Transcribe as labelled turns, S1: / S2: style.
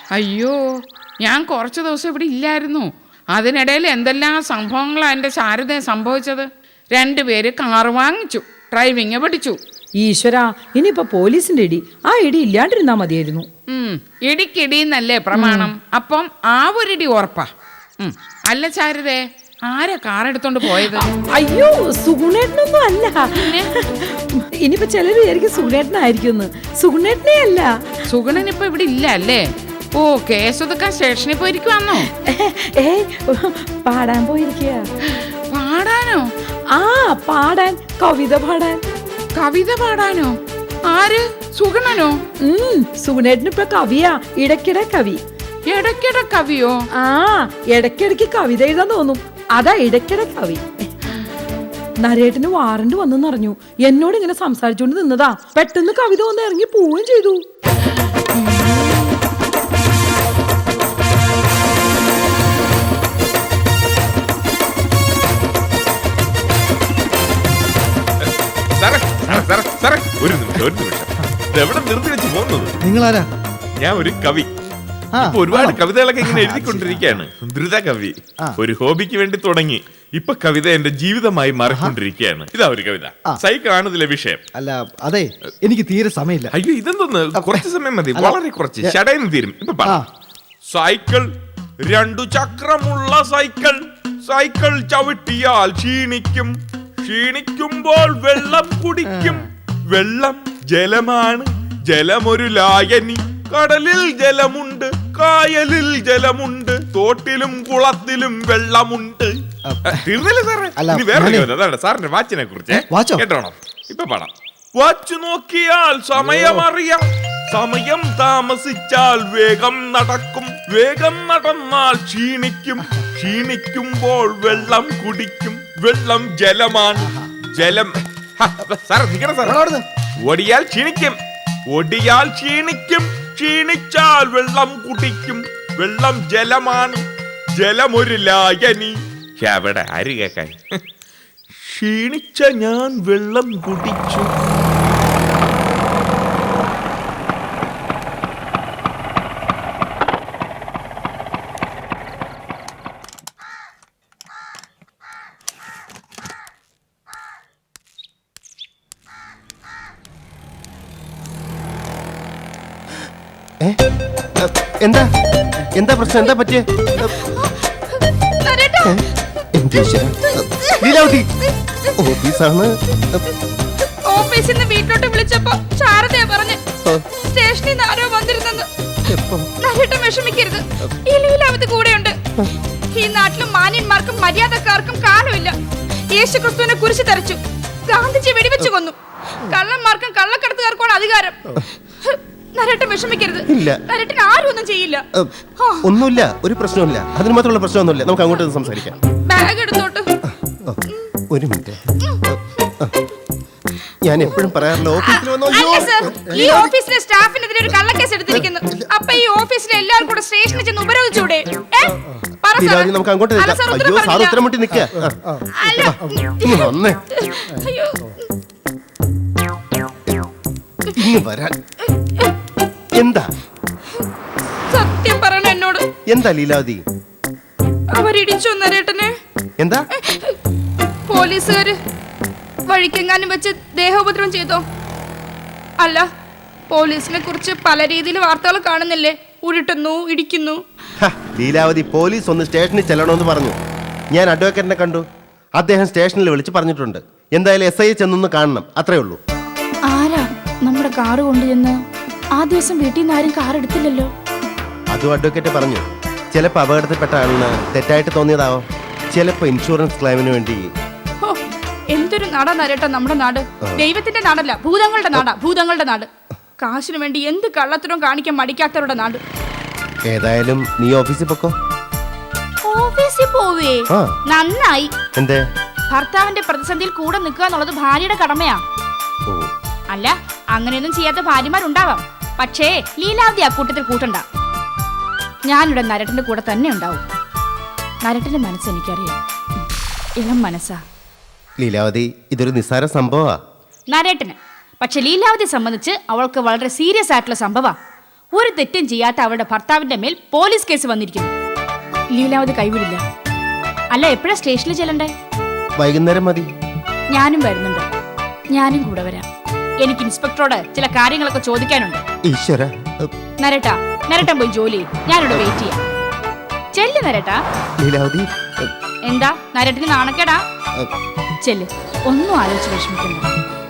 S1: അയ്യോ, ഞാൻ കുറച്ച് ദിവസം ഇവിടെ ഇല്ലായിരുന്നു. അതിനിടയിൽ എന്തെല്ലാം സംഭവങ്ങളാണ് എൻ്റെ ശാരദയെ സംഭവിച്ചത്. 2 പേര് കാറ് വാങ്ങിച്ചു, ഡ്രൈവിങ് പഠിച്ചു.
S2: ഈശ്വരാ, ഇനിയിപ്പോ പോലീസിന്റെ ഇടി, ആ ഇടി ഇല്ലാണ്ടിരുന്നാ മതിയായിരുന്നു.
S1: ഇടിക്കിടിന്നല്ലേ പ്രമാണം. അപ്പം ആ ഒരിടി ഉറപ്പാ. അല്ല ശാരദേ, ആരാ കാറെടുത്തോണ്ട് പോയത്?
S2: അയ്യോ, സുഗുണേട്ടനൊന്നും അല്ല. ഇനിയിപ്പോ ചിലര് വിചാരിക്കും സുഗുണേട്ടനായിരിക്കും. സുഗുണേട്ടനെ അല്ല.
S1: സുഗുണൻ ഇപ്പൊ ഇവിടെ ഇല്ല അല്ലേ? ഓ, കേസൊതുക്കാൻ സ്റ്റേഷനിൽ പോയിരിക്കുവാന്നോ?
S2: പാടാൻ പോയിരിക്കുക.
S1: പാടാനോ?
S2: ആ, പാടാൻ, കവിത പാടാൻ.
S1: കവിത പാടാനോ? ആര്? സുഗുണനോ?
S2: സുഗുണേട്ടന് ഇപ്പൊ കവിയാ, ഇടയ്ക്കിടെ കവി.
S1: ഇടയ്ക്കിടെ കവിയോ?
S2: ആ, ഇടയ്ക്കിടയ്ക്ക് കവിത എഴുതാൻ തോന്നും, അതാ ഇടയ്ക്കിടെ കവി. നരേട്ടന് വാറണ്ട് വന്നെന്നറിഞ്ഞു. എന്നോട് ഇങ്ങനെ സംസാരിച്ചോണ്ട് നിന്നതാ. പെട്ടെന്ന് കവിത വന്ന് ഇറങ്ങി പോവുകയും ചെയ്തു.
S3: ഒരു നിമിഷം എവിടെ നിർത്തി വെച്ച് പോകുന്നത്?
S4: നിങ്ങളാരാ?
S3: ഞാൻ ഒരു കവി. ഇപ്പൊ ഒരുപാട് കവിതകളൊക്കെ ഇങ്ങനെ എഴുതിക്കൊണ്ടിരിക്കുകയാണ്. ദ്രുത കവി. ഒരു ഹോബിക്ക് വേണ്ടി തുടങ്ങി, ഇപ്പൊ കവിത എന്റെ ജീവിതമായി മാറിക്കൊണ്ടിരിക്കുകയാണ്. ഇതാ ഒരു കവിത. സൈക്കിൾ ആണ് ഇതിലെ വിഷയം.
S4: അല്ല, അതെ, എനിക്ക് തീരെ സമയമില്ല.
S3: അയ്യോ, ഇതെന്തോന്ന്, കുറച്ച് സമയം മതി, വളരെ കുറച്ച്. ഷടയിന്ന് തീരും. ഇപ്പൊ സൈക്കിൾ, 2 ചക്രമുള്ള സൈക്കിൾ. സൈക്കിൾ ചവിട്ടിയാൽ ക്ഷീണിക്കും. ക്ഷീണിക്കുമ്പോൾ വെള്ളം കുടിക്കും. വെള്ളം ജലമാണ്, ജലമൊരു ലായനി. കടലിൽ ജലമുണ്ട്, കായലിൽ ജലമുണ്ട്, തോട്ടിലും കുളത്തിലും വെള്ളമുണ്ട്. തീർന്നില്ല സാറേ? ഇനി വേറെ അതാണ് സാറിന്റെ വാച്ചിനെ കുറിച്ച് കേട്ടോണം. ഇപ്പൊ പാടാം. വാച്ച് നോക്കിയാൽ സമയമറിയാം. സമയം താമസിച്ചാൽ വേഗം നടക്കും. വേഗം നടന്നാൽ ക്ഷീണിക്കും. ക്ഷീണിക്കുമ്പോൾ വെള്ളം കുടിക്കും. വെള്ളം ജലമാണ്, ജലം. സാർ നിൽക്കണം സാർ. ഓടിയാൽ ക്ഷീണിക്കും. ഓടിയാൽ ക്ഷീണിക്കും. ക്ഷീണിച്ചാൽ വെള്ളം കുടിക്കും. വെള്ളം ജലമാണ്, ജലമൊരു ലായനി. എവിടെ ആര് കേക്കാൻ? ക്ഷീണിച്ച ഞാൻ വെള്ളം കുടിച്ചു.
S5: എന്താ എന്താ പ്രശ്നം? എന്താ പറ്റിയ? ഓഫീസാണ്.
S6: ഓഫീസിൽ നിന്ന് വീട്ടിലോട്ട് വിളിച്ചപ്പോ ശാരദയാ പറഞ്ഞ് സ്റ്റേഷനിൽ നിന്ന് ആരോ വന്നിരുന്നെന്ന്. നരേട്ടൻ വിഷമിക്കരുത്, ഈ ലീലാവതി കൂടെയുണ്ട്. ഈ നാട്ടിലും മാന്യന്മാർക്കും മര്യാദക്കാർക്കും കാലമില്ല. യേശു ക്രിസ്തുവിനെ കുരിശ് തറച്ചു, ഗാന്ധിജി വെടിവെച്ചു കൊന്നു. കള്ളന്മാർക്കും കള്ളക്കടത്തുകാർക്കുമാണ് അധികാരം. നരേട്ടൻ വിഷമിക്കരുത്. നരേട്ടൻ ആരും ഒന്നും ചെയ്യില്ല.
S5: ഒന്നുമില്ല, ഒരു പ്രശ്നമില്ല. അതിന് മാത്രമുള്ള പ്രശ്നമൊന്നുമില്ല. നമുക്ക് അങ്ങോട്ട് സംസാരിക്കാം.
S6: ബാഗ് എടുത്തോട്ട്.
S5: ഒരു മിനിറ്റ്. ഞാൻ എപ്പോഴും പറയാറില്ല, ഓഫീസിൽ
S6: ഈ ഓഫീസിലെ സ്റ്റാഫിനെതിരെ ഒരു കള്ളക്കേസ് എടുത്തിരിക്കുന്നു. അപ്പൊ ഈ ഓഫീസിലെ എല്ലാവരും കൂടെ സ്റ്റേഷനിൽ ചെന്ന് ഉപരോധിച്ചൂടെ?
S5: നമുക്ക് അങ്ങോട്ട് അയ്യോ, സാർ ഉത്തരം മുട്ടി നിൽക്കുക. വരാൻ എന്താ
S6: സത്യം പറയണ എന്നോട്?
S5: എന്താ ലീലാവതി?
S6: അവരിടിച്ചു നരേട്ടനെ.
S5: എന്താ?
S6: പോലീസുകാര് വഴിക്കെങ്ങാനും വെച്ച് ദേഹോപദ്രവം ചെയ്തോ? അല്ല, പോലീസിനെ കുറിച്ച് പല രീതിയിൽ വാർത്തകൾ കാണുന്നില്ലേ? ഉരുട്ടുന്നു, ഇടിക്കുന്നു.
S5: ലീലാവതി, പോലീസ് ഒന്ന് സ്റ്റേഷനിൽ ചെല്ലണമെന്ന് പറഞ്ഞു. ഞാൻ അഡ്വക്കേറ്റിനെ കണ്ടു. അദ്ദേഹം സ്റ്റേഷനിൽ വിളിച്ച് പറഞ്ഞിട്ടുണ്ട്. എന്തായാലും SI ചെന്നൊന്ന് കാണണം, അത്രേ ഉള്ളൂ.
S6: ആരാ നമ്മുടെ കാറ് കൊണ്ടുചെന്ന്? ആ ദിവസം വീട്ടിൽ നിന്ന് ആരും കാർ എടുത്തില്ലല്ലോ.
S5: അതും അഡ്വക്കേറ്റ് പറഞ്ഞു. ചിലപ്പോൾ അപകടത്തിൽപ്പെട്ട ആളിന് തെറ്റായിട്ട് തോന്നിയതാവും. ചിലപ്പോൾ ഇൻഷുറൻസ് ക്ലെയിമിന് വേണ്ടി.
S6: എന്തൊരു നാടാ നരേട്ടാ നമ്മുടെ നാട്. ദൈവത്തിന്റെ നാടല്ല, ഭൂതങ്ങളുടെ നാടാ. ഭൂതങ്ങളുടെ നാട്. കാശിന് വേണ്ടി എന്ത് കള്ളത്തരവും കാണിക്കാൻ മടിക്കാത്തവരുടെ നാട്.
S5: ഏതായാലും നീ ഓഫീസിൽ പൊക്കോ.
S6: ഓഫീസിൽ പോവേ? നന്നായി.
S5: എന്തേ?
S6: ഭർത്താവിന്റെ പ്രതിസന്ധിയിൽ കൂടെ നിൽക്കുക എന്നുള്ളത് ഭാര്യയുടെ കടമയാ. അല്ല, അങ്ങനെയൊന്നും ചെയ്യാത്ത ഭാര്യമാരുണ്ടാവാം. പക്ഷേ ലീലാവതി അക്കൂട്ടത്തിൽ കൂട്ടണ്ട. ഞാനിവിടെ നരേട്ടന്റെ കൂടെ തന്നെ ഉണ്ടാവും. നരേട്ടന്റെ മനസ്സ് എനിക്കറിയാം. ഇളം മനസ്സാ.
S5: ലീലാവതി, ഇതൊരു നിസ്സാര സംഭവമാ
S6: നരേട്ടന്. പക്ഷെ ലീലാവതിയെ സംബന്ധിച്ച് അവൾക്ക് വളരെ സീരിയസ് ആയിട്ടുള്ള സംഭവം. ഒരു തെറ്റും ചെയ്യാത്ത അവളുടെ ഭർത്താവിന്റെ മേൽ പോലീസ് കേസ് വന്നിരിക്കുന്നു. ലീലാവതി കൈവിടില്ല. അല്ല, എപ്പോഴാ സ്റ്റേഷനിൽ ചെല്ലണ്ടേ?
S5: വൈകുന്നേരം മതി.
S6: ഞാനും വരുന്നുണ്ട്. ഞാനും കൂടെ വരാം. എനിക്ക് ഇൻസ്പെക്ടറോട് ചില കാര്യങ്ങളൊക്കെ ചോദിക്കാനുണ്ട്.
S5: ഈശ്വര.
S6: നരേട്ടൻ പോയി ജോലി ചെയ്യും. ഞാനിവിടെ വെയിറ്റ് ചെയ്യാം. ചെല്ല് നരേട്ടാ.
S5: ലീലാവതി.
S6: എന്താ നരേട്ടന് നാണക്കേടാ? ചെല്ല്, ഒന്നും ആലോചിച്ച് വിഷമിക്കണ്ട.